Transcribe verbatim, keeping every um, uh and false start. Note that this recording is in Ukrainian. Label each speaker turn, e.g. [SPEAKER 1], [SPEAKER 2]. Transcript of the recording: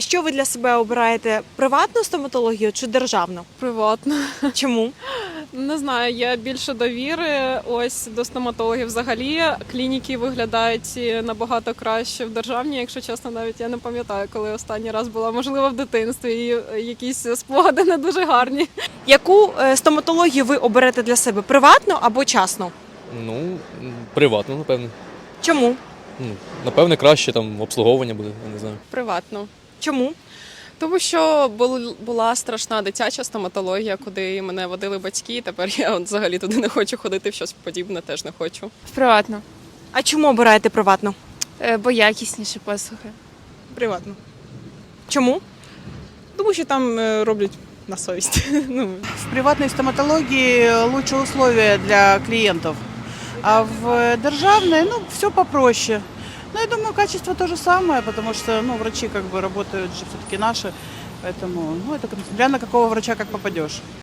[SPEAKER 1] Що ви для себе обираєте? Приватну стоматологію чи державну?
[SPEAKER 2] Приватно.
[SPEAKER 1] Чому?
[SPEAKER 2] Не знаю, є більше довіри ось до стоматологів взагалі. Клініки виглядають набагато краще в державній, якщо чесно, навіть я не пам'ятаю, коли останній раз була, можливо, в дитинстві, і якісь спогади не дуже гарні.
[SPEAKER 1] Яку е, стоматологію ви оберете для себе? Приватну або частну?
[SPEAKER 3] Ну, м, приватно, напевне.
[SPEAKER 1] Чому?
[SPEAKER 3] Ну, напевне, краще там обслуговування буде, я не знаю.
[SPEAKER 2] Приватно.
[SPEAKER 1] Чому?
[SPEAKER 2] Тому що бул- була страшна дитяча стоматологія, куди мене водили батьки. Тепер я от взагалі туди не хочу ходити, в щось подібне теж не хочу.
[SPEAKER 4] Приватно,
[SPEAKER 1] А чому обираєте приватну?
[SPEAKER 4] Е, бо якісніші послуги.
[SPEAKER 5] Приватно.
[SPEAKER 1] Чому?
[SPEAKER 5] Тому що там е, роблять на совість. Ну,
[SPEAKER 6] В приватной стоматологии лучше условия для клиентов, а в державной, ну, все попроще. Но я думаю, качество то же самое, потому что, ну, врачи как бы работают же все-таки наши, поэтому, ну, это смотря на какого врача как попадешь.